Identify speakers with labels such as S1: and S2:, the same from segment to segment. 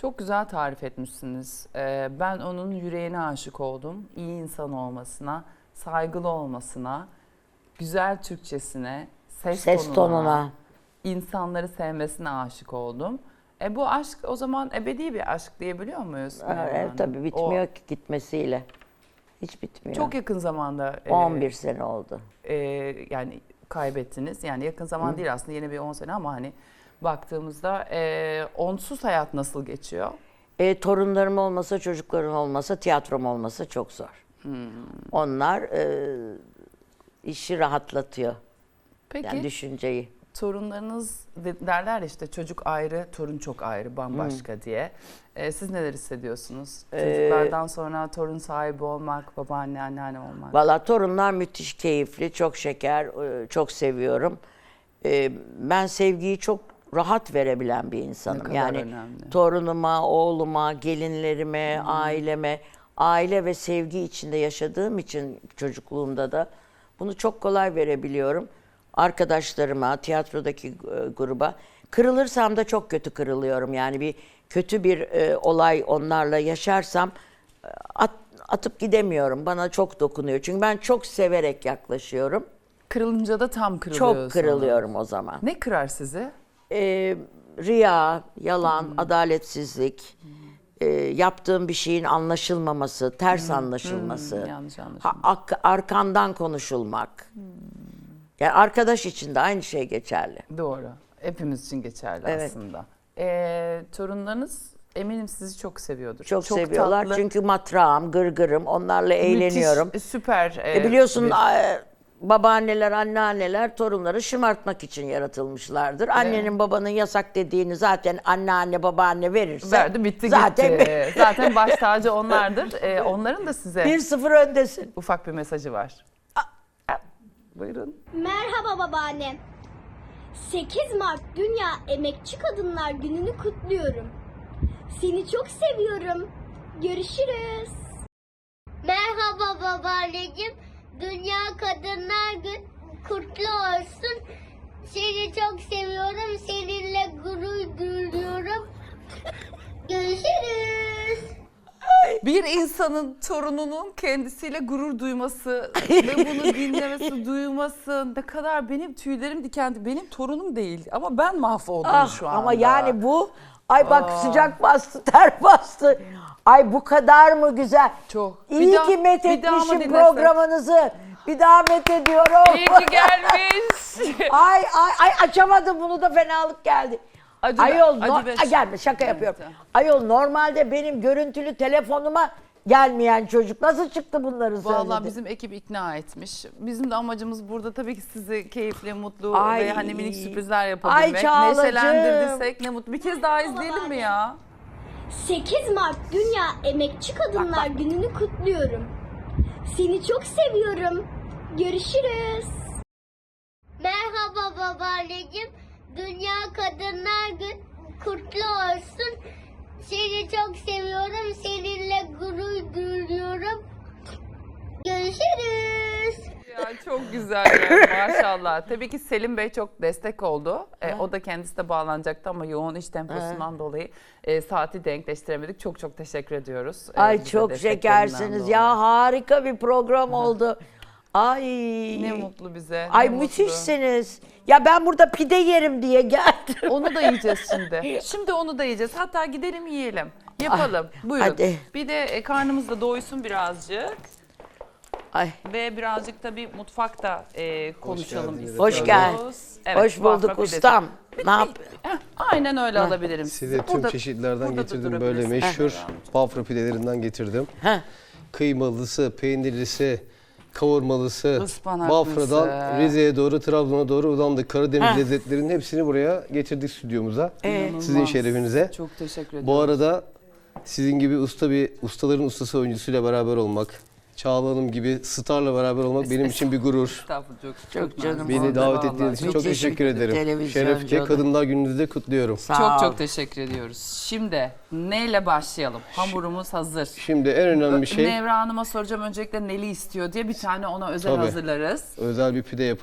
S1: Çok güzel tarif etmişsiniz. Ben onun yüreğine aşık oldum. İyi insan olmasına, saygılı olmasına, güzel Türkçesine, ses tonuna, insanları sevmesine aşık oldum. Bu aşk o zaman ebedi bir aşk diyebiliyor muyuz?
S2: Evet, tabii bitmiyor ki gitmesiyle. Hiç bitmiyor.
S1: Çok yakın zamanda
S2: 11 sene oldu.
S1: Yani kaybettiniz. Yani yakın zaman değil aslında, yeni bir 10 sene ama hani baktığımızda onsuz hayat nasıl geçiyor?
S2: Torunlarım olmasa, çocuklarım olmasa, tiyatrom olmasa çok zor. Onlar işi rahatlatıyor.
S1: Peki
S2: Yani düşünceyi.
S1: torunlarınız derler işte, çocuk ayrı, torun çok ayrı, bambaşka diye. Siz neler hissediyorsunuz? Çocuklardan sonra torun sahibi olmak, babaanne, anneanne olmak.
S2: Valla torunlar müthiş keyifli, çok şeker, çok seviyorum. Ben sevgiyi çok rahat verebilen bir insanım.
S1: Ne kadar
S2: Yani
S1: önemli.
S2: torunuma, oğluma, gelinlerime, aileme, aile ve sevgi içinde yaşadığım için çocukluğumda da bunu çok kolay verebiliyorum. Arkadaşlarıma, tiyatrodaki gruba. Kırılırsam da çok kötü kırılıyorum. Yani bir kötü bir olay onlarla yaşarsam atıp gidemiyorum. Bana çok dokunuyor. Çünkü ben çok severek yaklaşıyorum.
S1: Kırılınca da tam kırılıyorsunuz.
S2: Çok kırılıyorum o zaman.
S1: Ne kırar sizi?
S2: Riya, yalan, adaletsizlik, yaptığım bir şeyin anlaşılmaması, ters anlaşılması,
S1: Yanlış anlaşılma.
S2: arkandan konuşulmak. Yani arkadaş için de aynı şey geçerli.
S1: Doğru. Hepimiz için geçerli
S2: Evet.
S1: aslında. Torunlarınız eminim sizi çok seviyordur.
S2: Çok seviyorlar
S1: tatlı,
S2: çünkü matrağım, gırgırım, onlarla eğleniyorum.
S1: müthiş, süper.
S2: Biliyorsun babaanneler, anneanneler torunları şımartmak için yaratılmışlardır. Annenin babanın yasak dediğini zaten anneanne, babaanne verirse
S1: verdi, bitti
S2: zaten
S1: gitti. Zaten baş tacı onlardır. Onların da size
S2: 1-0 öndesin.
S1: ufak bir mesajı var. Buyurun.
S3: Merhaba babaannem. 8 Mart Dünya Emekçi Kadınlar Günü'nü kutluyorum. Seni çok seviyorum. Görüşürüz. Merhaba babaanneciğim. Dünya Kadınlar Günü kutlu olsun. Seni çok seviyorum. Seninle gurur duyuyorum. Görüşürüz.
S1: Bir insanın torununun kendisiyle gurur duyması ve bunu dinlemesi, duyması, ne kadar benim tüylerim diken. Benim torunum değil ama ben mahvoldum şu anda.
S2: Ama yani bu, ay bak sıcak bastı, ter bastı. Ay bu kadar mı güzel?
S1: Çok.
S2: İyi
S1: Bir daha-
S2: ki met
S1: bir daha mı
S2: etmişim
S1: dinlesek?
S2: programınızı. Bir daha met ediyorum.
S1: İyi ki gelmiş.
S2: Ay açamadım, bunu da fenalık geldi. Ayol gelme, şaka yapıyorum.
S1: tamam.
S2: Ayol normalde benim görüntülü telefonuma gelmeyen çocuk nasıl çıktı bunları söyledi?
S1: Vallahi bizim ekip ikna etmiş. Bizim de amacımız burada tabii ki sizi keyifli, mutlu
S2: Ay.
S1: ve hani minik sürprizler yapabilmek.
S2: Ay Çağlacığım.
S1: Neşelendirdiysek ne mutlu. Bir kez daha izleyelim mi ya?
S3: 8 Mart Dünya Emekçi Kadınlar Günü'nü kutluyorum. Seni çok seviyorum. Görüşürüz. Merhaba babaanneciğim. Dünya Kadınlar Günü kutlu olsun. Seni çok seviyorum. Seninle gurur duyuyorum. Görüşürüz.
S1: Ya çok güzel ya, maşallah. Tabii ki Selim Bey çok destek oldu. O da kendisi de bağlanacaktı ama yoğun iş temposundan dolayı saati denkleştiremedik. Çok çok teşekkür ediyoruz.
S2: Ay
S1: Bize
S2: çok
S1: desteklerinden
S2: şekersiniz
S1: dolayı.
S2: ya, harika bir program oldu. Ay.
S1: Ne mutlu bize.
S2: Ay
S1: ne mutlu.
S2: müthişsiniz. Ya ben burada pide yerim diye geldim.
S1: Onu da yiyeceğiz şimdi. Şimdi onu da yiyeceğiz. Hatta gidelim yiyelim. Yapalım. Buyurun.
S2: hadi.
S1: Bir de karnımız da doysun birazcık.
S2: Ay.
S1: Ve birazcık da bir mutfakta konuşalım istiyoruz.
S2: Hoş geldin.
S1: Evet,
S2: Hoş
S1: Bafra
S2: bulduk
S1: pidesi.
S2: ustam. Ne yap?
S1: Aynen öyle alabilirim.
S4: Size tüm
S1: Burada-
S4: çeşitlerden
S1: burada da
S4: getirdim, böyle
S1: durabilirsiniz.
S4: meşhur Bafra pidelerinden getirdim.
S2: Heh.
S4: Kıymalısı, peynirlisi, kavurmalısı,
S1: Ispanaklısı.
S4: Bafra'dan Rize'ye doğru, Trabzon'a doğru uzandık. Karadeniz lezzetlerinin hepsini buraya getirdik stüdyomuza. Sizin
S1: İnanılmaz.
S4: şerefinize.
S1: Çok teşekkür ederim.
S4: Bu arada sizin gibi ustaların ustası oyuncusuyla beraber olmak, Çağla Hanım gibi starla beraber olmak benim için bir gurur.
S1: Estağfurullah,
S2: Çok canım.
S4: Beni
S2: Vallahi,
S4: davet ettiğiniz için çok
S2: Müthiş
S4: teşekkür ederim.
S2: televizyon
S4: Şerefçe
S2: canım.
S4: Kadınlar Günü'nüzü de kutluyorum.
S2: Sağ
S1: Çok
S2: ol.
S1: çok teşekkür ediyoruz. Şimdi neyle başlayalım? Hamurumuz hazır.
S4: Şimdi en önemli şey,
S1: Nevra Hanım'a soracağım öncelikle neli istiyor diye, bir tane ona özel
S4: Tabii.
S1: hazırlarız.
S4: özel bir pide yapalım.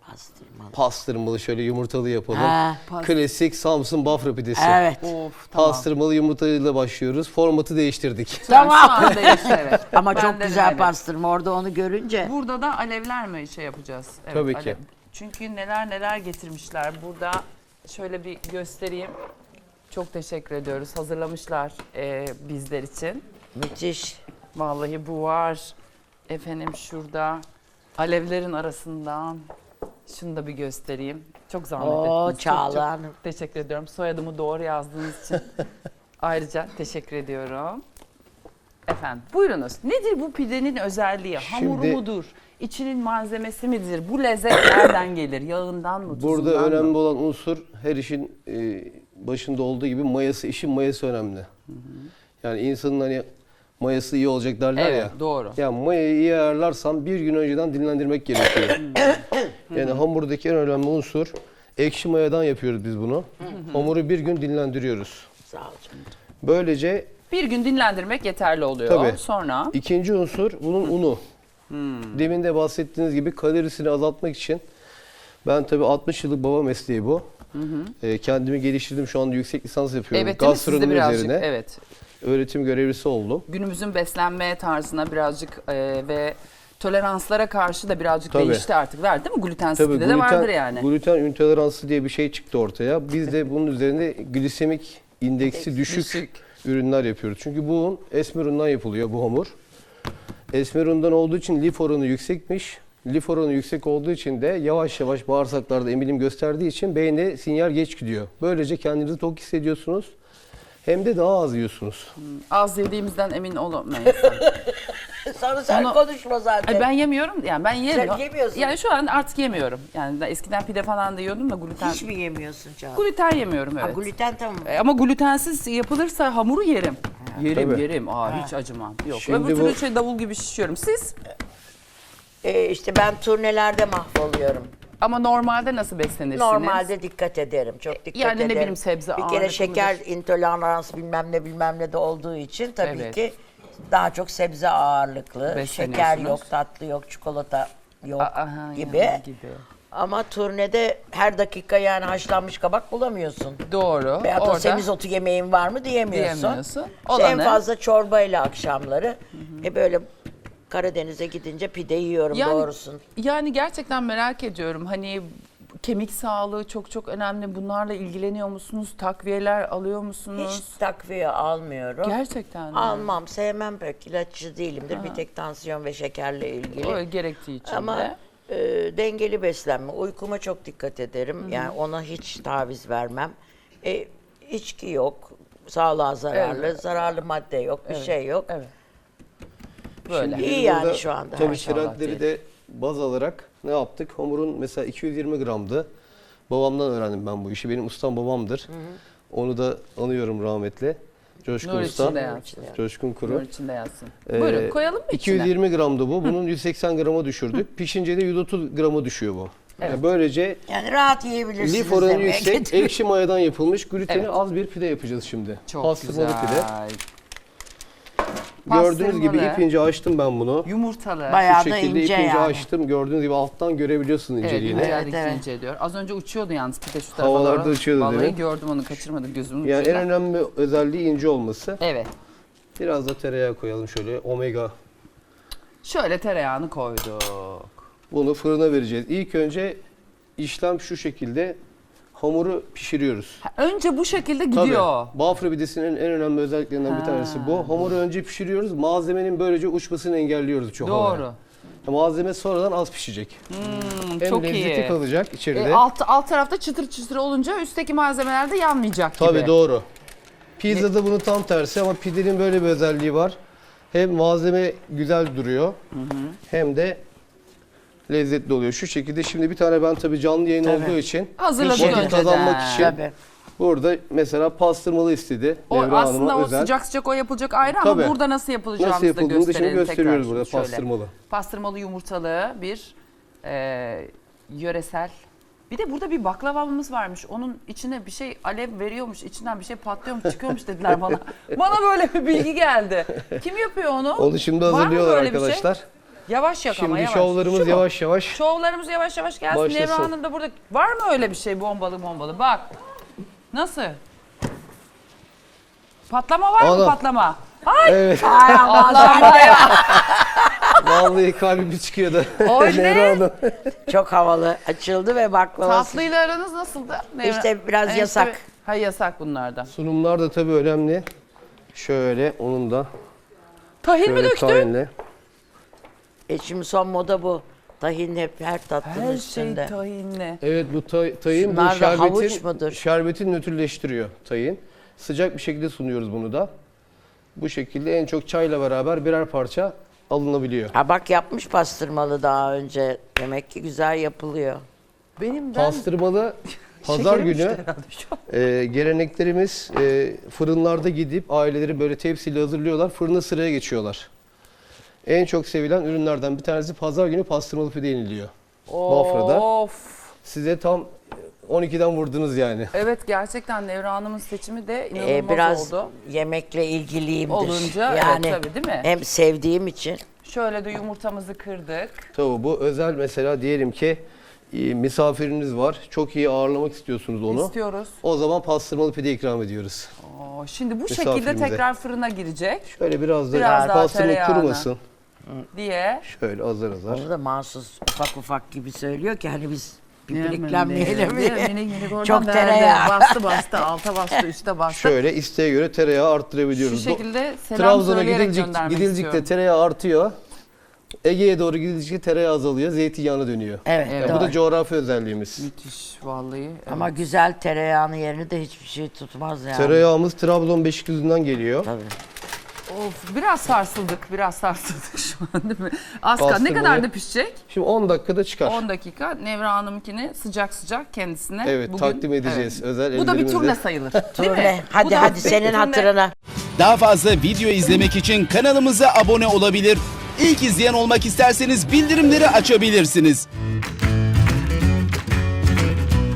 S4: Pastırmalı şöyle yumurtalı yapalım.
S2: Ha.
S4: Klasik Samsun Bafra pidesi.
S2: Evet.
S1: Of tamam.
S4: Pastırmalı yumurtalıyla başlıyoruz. Formatı değiştirdik.
S2: Tamam.
S1: Şu an değişti, evet.
S2: Ama
S1: Ben
S2: çok
S1: de
S2: güzel
S1: öyle.
S2: pastırma orada onu görünce.
S1: Burada da alevler mi şey yapacağız? Evet,
S4: Tabii ki.
S1: alev. Çünkü neler neler getirmişler. Burada şöyle bir göstereyim. Çok teşekkür ediyoruz. Hazırlamışlar bizler için.
S2: Müthiş.
S1: Vallahi bu var. Efendim şurada alevlerin arasından şunu da bir göstereyim. Çok zahmet
S2: Oo,
S1: ettiniz.
S2: Çağla
S1: Çok
S2: Hanım.
S1: teşekkür ediyorum. Soyadımı doğru yazdığınız için ayrıca teşekkür ediyorum. Efendim buyurunuz. Nedir bu pidenin özelliği? Hamuru
S4: Şimdi-
S1: mudur? İçinin malzemesi midir? Bu lezzet nereden gelir? Yağından mı?
S4: Burada
S1: tuzundan mı?
S4: önemli olan unsur her işin başında olduğu gibi mayası, işin mayası önemli. Yani insanın hani mayası iyi olacak derler
S1: Evet,
S4: ya.
S1: doğru.
S4: Yani mayayı iyi ayarlarsan bir gün önceden dinlendirmek gerekiyor. Yani hamurdaki en önemli unsur ekşi mayadan yapıyoruz biz bunu. Hamuru bir gün dinlendiriyoruz.
S2: Sağ ol canım.
S4: Böylece
S1: Bir gün dinlendirmek yeterli oluyor.
S4: Tabii.
S1: Sonra
S4: ikinci unsur bunun unu. Demin de bahsettiğiniz gibi kalorisini azaltmak için ben tabii 60 yıllık baba mesleği bu. Kendimi geliştirdim. Şu anda yüksek lisans yapıyorum.
S1: evet değil mi? Siz de
S4: Gastronomi
S1: birazcık
S4: üzerine.
S1: evet.
S4: Öğretim görevlisi oldum.
S1: Günümüzün beslenme tarzına birazcık ve toleranslara karşı da birazcık
S4: Tabii.
S1: değişti artık. Var değil mi? Glutensiz
S4: Tabii
S1: pide de vardır yani.
S4: gluten intoleransı diye bir şey çıktı ortaya. Biz de bunun üzerinde glisemik indeksi düşük ürünler yapıyoruz. Çünkü bu un esmer undan yapılıyor bu hamur. Esmer undan olduğu için lif oranı yüksekmiş. Lif oranı yüksek olduğu için de yavaş yavaş bağırsaklarda emilim gösterdiği için beyne sinyal geç gidiyor. Böylece kendinizi tok hissediyorsunuz. Hem de daha az yiyorsunuz.
S1: Az yediğimizden emin olamayız.
S2: Sonra sen
S1: Onu-
S2: konuşma zaten.
S1: Ben yemiyorum. Yani ben yemiyorum.
S2: yemiyorsun.
S1: Yani şu an artık yemiyorum. Yani ben eskiden pide falan da yiyordum da gluten.
S2: Hiç mi yemiyorsun Çağla?
S1: Gluten yemiyorum evet.
S2: Gluten tamam.
S1: Ama glutensiz yapılırsa hamuru yerim. Yerim
S4: Tabii.
S1: yerim. Hiç acımam. Yok.
S4: Şimdi
S1: Öbür türlü
S4: bu-
S1: şey davul gibi şişiyorum. Siz?
S2: İşte ben turnelerde mahvoluyorum.
S1: Ama normalde nasıl beslenirsiniz?
S2: Normalde dikkat ederim. Çok dikkat
S1: Yani ne
S2: ederim.
S1: bileyim sebze
S2: Bir kere
S1: ağırlıklıdır.
S2: şeker intoleransı bilmem ne de olduğu için tabii
S1: Evet.
S2: ki daha çok sebze ağırlıklı. Şeker
S1: Besleniyorsunuz.
S2: yok, tatlı yok, çikolata yok
S1: Aha,
S2: gibi.
S1: yani
S2: Ama turnede her dakika yani haşlanmış kabak bulamıyorsun.
S1: Doğru.
S2: Veyahut da
S1: Orada
S2: semizotu yemeğin var mı diyemiyorsun.
S1: diyemiyorsun.
S2: İşte en
S1: Olanı-
S2: fazla çorbayla akşamları. Böyle Karadeniz'e gidince pide yiyorum doğrusun.
S1: Yani gerçekten merak ediyorum. Hani kemik sağlığı çok çok önemli. Bunlarla ilgileniyor musunuz? Takviyeler alıyor musunuz?
S2: Hiç takviye almıyorum.
S1: Gerçekten mi?
S2: Almam, sevmem pek. İlaççı değilimdir. Bir tek tansiyon ve şekerle ilgili.
S1: O gerektiği için
S2: Ama
S1: de.
S2: dengeli beslenme. Uykuma çok dikkat ederim. Yani ona hiç taviz vermem. İçki yok. Sağlığa zararlı.
S1: Evet.
S2: Zararlı madde yok. Bir şey yok.
S1: Evet. Böyle.
S2: İyi
S4: Biz
S2: yani
S4: burada
S2: şu anda.
S4: Tabii
S1: Maşallah
S4: trendleri de baz alarak ne yaptık? Hamurun mesela 220 gramdı. Babamdan öğrendim ben bu işi. Benim ustam babamdır. Onu da anıyorum rahmetli. Coşkun
S1: Nur
S4: Usta.
S1: içinde yatsın.
S4: Coşkun Kuru.
S1: Nur içinde yatsın. Buyurun koyalım mı içine?
S4: 220 gramdı bu. Bunun 180 grama düşürdük. Pişince de 130 grama düşüyor bu. Yani böylece
S2: Yani rahat yiyebilirsiniz.
S4: lif oranı
S2: demeye
S4: yüksek,
S2: getiriyor.
S4: ekşi mayadan yapılmış gluteni
S1: Evet.
S4: az bir pide yapacağız şimdi.
S1: Çok
S4: Pastırmalı
S1: güzel.
S4: pide. Gördüğünüz gibi
S1: Pastırmalı,
S4: ip ince açtım ben bunu.
S1: Yumurtalı.
S2: Bayağı
S4: Şu
S2: da
S4: şekilde
S2: ince
S4: ip ince
S2: yani.
S4: açtım. Gördüğünüz gibi alttan görebiliyorsun
S1: Evet,
S4: inceliğini.
S1: inceldikçe
S2: Evet.
S1: inceliyor. Az önce uçuyordu yalnız pide şu tarafa
S4: Havalarda
S1: doğru.
S4: uçuyordu,
S1: Vallahi
S4: değil mi?
S1: gördüm onu, kaçırmadım gözümün
S4: Yani en
S1: ucuyla.
S4: önemli özelliği ince olması.
S1: Evet.
S4: Biraz da tereyağı koyalım şöyle. Omega.
S1: Şöyle tereyağını koyduk.
S4: Bunu fırına vereceğiz. İlk önce işlem şu şekilde. Hamuru pişiriyoruz.
S1: Önce bu şekilde gidiyor.
S4: Tabii. Bafra pidesinin en önemli özelliklerinden bir tanesi bu. Hamuru önce pişiriyoruz. Malzemenin böylece uçmasını engelliyoruz çok havaya.
S1: Doğru.
S4: Malzeme sonradan az pişecek. Hem
S1: çok
S4: lezzeti
S1: iyi.
S4: kalacak içeride.
S1: Alt tarafta çıtır çıtır olunca üstteki malzemeler de yanmayacak gibi.
S4: Tabii doğru. Pizzada bunun tam tersi ama pidenin böyle bir özelliği var. Hem malzeme güzel duruyor hem de lezzetli oluyor. Şu şekilde şimdi bir tane ben tabii canlı yayın olduğu için
S1: Hazırladık
S4: vakit
S1: önceden.
S4: kazanmak için
S2: Tabii.
S4: burada mesela pastırmalı istedi.
S1: O
S4: Nevra
S1: aslında
S4: Hanım'a
S1: o
S4: özel.
S1: sıcak sıcak o yapılacak ayrı
S4: Tabii.
S1: ama burada nasıl yapılacağını
S4: Nasıl yapıldığını da şimdi
S1: gösterelim
S4: gösteriyoruz
S1: tekrar.
S4: burada
S1: Şöyle.
S4: pastırmalı.
S1: Pastırmalı yumurtalı bir yöresel. Bir de burada bir baklavamız varmış. Onun içine bir şey alev veriyormuş, içinden bir şey patlıyormuş, çıkıyormuş dediler bana. Bana böyle bir bilgi geldi. Kim yapıyor onu?
S4: Onu şimdi
S1: Var mı
S4: hazırlıyorlar
S1: böyle bir şey?
S4: arkadaşlar.
S1: Yavaş yak ama
S4: Şimdi
S1: yavaş.
S4: şovlarımız
S1: Şu mu?
S4: yavaş yavaş
S1: Şovlarımız yavaş yavaş gelsin.
S4: Başlasın.
S1: Nevra Hanım da burada. Var mı öyle bir şey bombalı? Bak. Nasıl? Patlama var mı
S4: Ana.
S1: patlama? Ay!
S4: Evet.
S1: Ay Allah'ım ya.
S4: Vallahi kalbim çıkıyordu.
S1: O ne?
S4: Nevra Hanım.
S2: Çok havalı. Açıldı ve baklavası.
S1: Tatlıyla aranız nasıldı?
S2: İşte biraz yasak.
S1: Ha yasak bunlardan.
S4: Sunumlar da tabii önemli. Şöyle onun da
S1: Tahin mi
S4: şöyle
S1: döktün?
S4: tahinle.
S2: Şimdi son moda bu. Tahin hep her tatlının
S1: Her şey
S2: üstünde.
S1: tahinli.
S4: Evet bu tahin bu
S2: Şunlar da havuç mudur?
S4: şerbeti nötrleştiriyor tahin. Sıcak bir şekilde sunuyoruz bunu da. Bu şekilde en çok çayla beraber birer parça alınabiliyor.
S2: Ha bak yapmış pastırmalı daha önce. Demek ki güzel yapılıyor.
S1: Benim
S4: Pastırmalı pazar
S1: Şekerim
S4: günü
S1: düştü herhalde şu an.
S4: geleneklerimiz fırınlarda gidip aileleri böyle tepsiyle hazırlıyorlar. Fırına sıraya geçiyorlar. En çok sevilen ürünlerden bir tanesi pazar günü pastırmalı pide yeniliyor. Bafra'da.
S1: Of.
S4: Size tam 12'den vurdunuz yani.
S1: Evet gerçekten Nevra Hanım'ın seçimi de inanılmaz
S2: Biraz
S1: oldu.
S2: yemekle ilgiliyimdir.
S1: Olunca, evet,
S2: yani
S1: tabii, değil mi?
S2: Hem sevdiğim için.
S1: Şöyle de yumurtamızı kırdık.
S4: Tabii bu özel mesela diyelim ki misafiriniz var. Çok iyi ağırlamak istiyorsunuz onu.
S1: İstiyoruz.
S4: O zaman pastırmalı pide ikram ediyoruz.
S1: Oo, şimdi bu şekilde
S4: Misafirimize.
S1: tekrar fırına girecek
S4: Şöyle biraz da
S1: Biraz daha
S4: pastırma
S1: tereyağını.
S4: kurumasın.
S1: diye.
S4: Şöyle azar azar.
S2: Onu da mahsus ufak ufak gibi söylüyor ki hani biz
S1: Değil
S2: pipiliklenmeyelim
S1: mi?
S2: diye.
S1: Minik minik oradan
S2: Çok
S1: verdi.
S2: tereyağı.
S1: Bastı, alta bastı, üste bastı.
S4: Şöyle isteğe göre tereyağı
S1: Şu
S4: arttırabiliyoruz.
S1: şekilde selam
S4: Trabzon'a
S1: söyleyerek göndermek
S4: gidildikçe
S1: istiyorum.
S4: tereyağı artıyor. Ege'ye doğru gidildikçe tereyağı azalıyor, zeytinyağına dönüyor.
S2: Evet,
S1: Evet.
S4: Bu da
S2: doğru.
S4: coğrafi özelliğimiz.
S1: Müthiş vallahi.
S2: Ama güzel tereyağının yerini de hiçbir şey tutmaz yani.
S4: Tereyağımız Trabzon Beşikdüzü'nden geliyor.
S2: Tabii.
S1: Of biraz sarsıldık şu an değil mi? Az kaldı. Ne
S4: Pastırmayı-
S1: kadar da pişecek?
S4: Şimdi 10 dakikada çıkar.
S1: 10 dakika. Nevra Hanım'ınkini sıcak sıcak kendisine
S4: Evet, takdim edeceğiz özel
S1: Bu da bir
S4: ellerimizle.
S1: turne sayılır. Değil
S2: Turne.
S1: mi? Bu
S2: Hadi
S1: da
S2: hadi
S1: bir
S2: senin
S1: turne.
S2: hatırına.
S5: Daha fazla video izlemek için kanalımıza abone olabilir. İlk izleyen olmak isterseniz bildirimleri açabilirsiniz.